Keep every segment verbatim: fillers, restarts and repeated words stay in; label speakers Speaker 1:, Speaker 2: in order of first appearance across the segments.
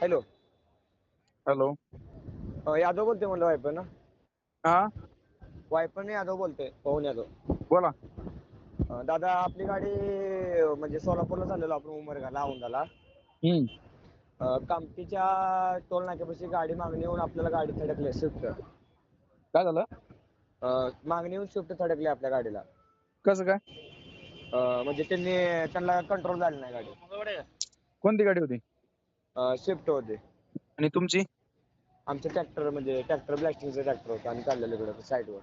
Speaker 1: Hello.
Speaker 2: Hello.
Speaker 1: अ, यादव बोलतोय म्हणलं वायपन ना.
Speaker 2: हा
Speaker 1: वायपन यादव बोलतोय, पवन यादव.
Speaker 2: बोला.
Speaker 1: अ, दादा आपली गाडी अ, म्हणजे सोलापूरला चाललेलो आपण उमरगाला औंधाला.
Speaker 2: हम्म
Speaker 1: अ, कामठीच्या टोल नाक्यापाशी गाडी मागणी येऊन आपल्याला गाडी थडकली स्विफ्ट.
Speaker 2: काय झालं?
Speaker 1: अ, मागणी येऊन स्विफ्ट थडकली आपल्या गाडीला.
Speaker 2: कसं काय?
Speaker 1: अ, म्हणजे त्यांनी त्यांना कंट्रोल झाली नाही गाडी.
Speaker 2: कोणती गाडी होती?
Speaker 1: अ, स्विफ्ट होती.
Speaker 2: आणि तुमची?
Speaker 1: आमचं ट्रॅक्टर म्हणजे ट्रॅक्टर ब्लॅस्टिंगचं ट्रॅक्टर होतं आणि चाललेलं इकडं साईडवर.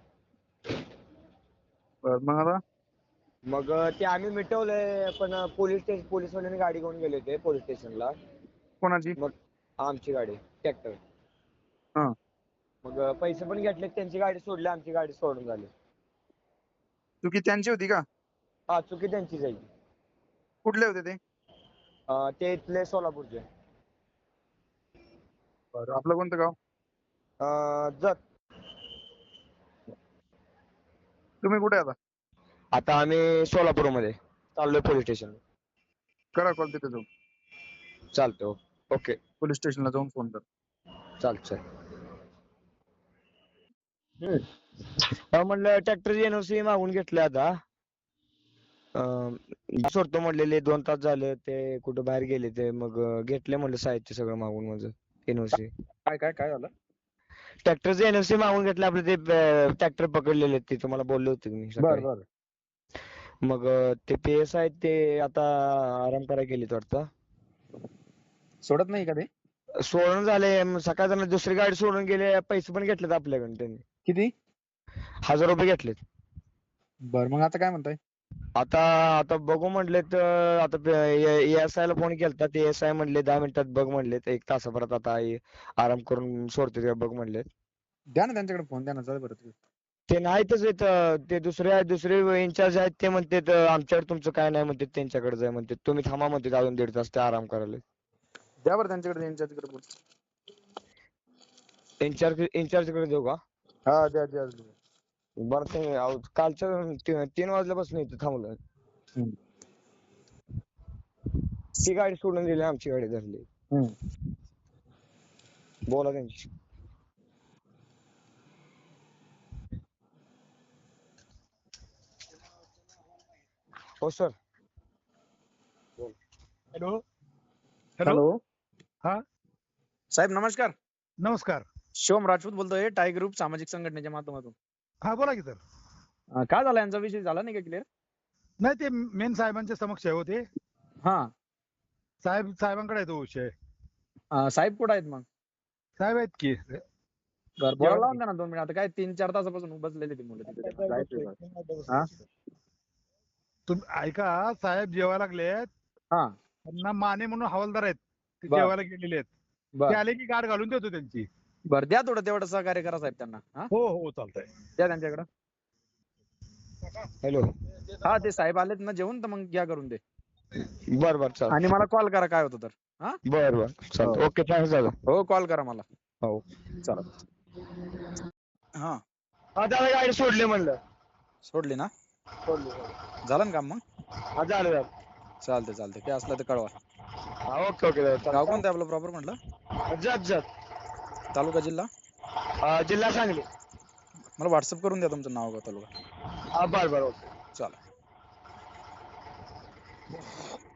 Speaker 2: बरं, मग आता?
Speaker 1: मग अ, ते आम्ही मिटवलंय पण पोलीस स्टेशन पोलीसवाल्यांनी गाडी घेऊन गेले होते पोलीस स्टेशनला.
Speaker 2: कोणाची?
Speaker 1: मग आमची गाडी ट्रॅक्टर.
Speaker 2: हा
Speaker 1: मग अ, पैसे पण घेतले, त्यांची गाडी सोडली, आमची गाडी सोडून झाली.
Speaker 2: चुकी त्यांची होती का?
Speaker 1: हा, चुकी त्यांचीच आहे.
Speaker 2: कुठले होते ते?
Speaker 1: अ, ते इथले सोलापूरचे.
Speaker 2: बरं, आपलं कोणतं गाव?
Speaker 1: अ, जत.
Speaker 2: तुम्ही कुठे आता?
Speaker 1: आता आम्ही सोलापूरमध्ये चाललोय पोलीस स्टेशन.
Speaker 2: करा कॉल तिथे जाऊन.
Speaker 1: चालतो. ओके.
Speaker 2: पोलीस स्टेशनला जाऊन फोन कर.
Speaker 1: चालतंय. हम्म म्हणलं ट्रॅक्टरची एनओसी मागून घेतलं आता. अं, सोडतो म्हणलेले दोन तास झाले ते कुठं बाहेर गेले ते मग अं, घेतले म्हणलं साहित्य सगळं मागून माझं एनओसी.
Speaker 2: काय काय काय झालं?
Speaker 1: ट्रॅक्टरचे एनओसी मागून घेतले आपले ते ट्रॅक्टर पकडलेले ते तुम्हाला बोलले होते मी
Speaker 2: बर
Speaker 1: सकाळी.
Speaker 2: बर.
Speaker 1: मग अं, ते पीएस आहेत ते आता आराम करायला गेलेत वाटतं.
Speaker 2: सोडत नाही का ते?
Speaker 1: सोडून झाले मग सकाळी त्यांना दुसरी गाडी सोडून गेले, पैसे पण घेतलेत आपल्याकडून त्यांनी.
Speaker 2: किती?
Speaker 1: हजार रुपये घेतलेत.
Speaker 2: बर, मग आता काय म्हणताय?
Speaker 1: आता आता बघू म्हणले तर आता एएसआय ला फोन केलता, ते एएसआय म्हणले दहा मिनिटात बघ म्हणले, एक तासाभरात आता ये- आराम करून सोडते का बघ म्हणले.
Speaker 2: द्या ना त्यांच्याकडे फोन, द्या ना, जाऊ बरं तुम्ही.
Speaker 1: ते नाहीतच इथं, ते दुसरे दुसरे इन्चार्ज आहेत ते म्हणतात आमच्याकडे तुमचं काय नाही म्हणतात, त्यांच्याकडे जाय म्हणतात, तुम्ही थांबा म्हणतात अजून दीड तास ते आराम करायला.
Speaker 2: द्या बरं त्यांच्याकडे, त्यांच्याकडे बोल.
Speaker 1: इन्चार्ज इन्चार्ज कडे देऊ का?
Speaker 2: हा द्या द्या द्या.
Speaker 1: बरं ते अहो, कालच्या ती- तीन वाजल्यापासून इथं थांबलोय.
Speaker 2: हम्म.
Speaker 1: ती गाडी सोडून दिली, आमची गाडी धरली.
Speaker 2: हम्म.
Speaker 1: बोला त्यांची. हो सर.
Speaker 3: हॅलो. हॅलो.
Speaker 2: हॅलो.
Speaker 3: हा,
Speaker 2: साहेब नमस्कार.
Speaker 3: नमस्कार.
Speaker 2: शिवम राजपूत बोलतोय, टाय ग्रुप सामाजिक संघटनेच्या माध्यमातून.
Speaker 3: हा, बोला की सर.
Speaker 2: अं, काय झालं, यांचा विषय झाला नाही का क्लिअर?
Speaker 3: नाही, ते मेन साहेबांच्या समक्ष आहे होते.
Speaker 2: हा.
Speaker 3: साहेब साहेबांकडे आहे तो विषय.
Speaker 2: अं, साहेब कुठे आहेत मग?
Speaker 3: साहेब आहेत की.
Speaker 2: बरं, बोलायला लावून द्या ना दोन मिनिट. आता काय तीन चार तासापासून बसलेले ते मुलं तिथे, त्यांना जायचंय बरं. हा?
Speaker 3: तुम्ही ऐका, साहेब जेवायला लागलेत.
Speaker 2: हा.
Speaker 3: त्यांना माने म्हणून हवालदार आहेत, ते
Speaker 2: बर.
Speaker 3: जेवायला गेलेले आहेत. ते
Speaker 2: बर
Speaker 3: आले की गाठ घालून देतो त्यांची.
Speaker 2: बरं, द्या थोडं तेवढं सहकार्य करा साहेब त्यांना. हा,
Speaker 3: हो हो, चालतंय.
Speaker 2: द्या त्यांच्याकडं.
Speaker 1: हॅलो.
Speaker 2: हा, ते साहेब आलेत ना जेवून, तर मग घ्या करून दे.
Speaker 1: बर बर
Speaker 2: आणि
Speaker 1: चालतं.
Speaker 2: मला कॉल करा काय होतं तर. हा,
Speaker 1: बर बर चालतं. ओके, थँक्स दादा.
Speaker 2: हो, कॉल करा मला.
Speaker 1: हो.
Speaker 2: चला. हा,
Speaker 1: हा दादा, गाडी सोडली म्हणलं.
Speaker 2: सोडली ना?
Speaker 1: सोडली.
Speaker 2: झालं ना काम मग?
Speaker 1: हा, झालं झालं.
Speaker 2: चालतंय चालतंय, काय असलं तर कळवा.
Speaker 1: हा, ओके ओके दादा,
Speaker 2: गाव
Speaker 1: चालतं.
Speaker 2: कोणतं आपलं प्रॉपर म्हटलं?
Speaker 1: जत जत.
Speaker 2: तालुका जिल्हा?
Speaker 1: अं, जिल्हा सांगली.
Speaker 2: मला व्हॉट्सअप करून द्या तुमचं नाव गाव तालुका.
Speaker 1: हा, बर बर, ओके.
Speaker 2: चला.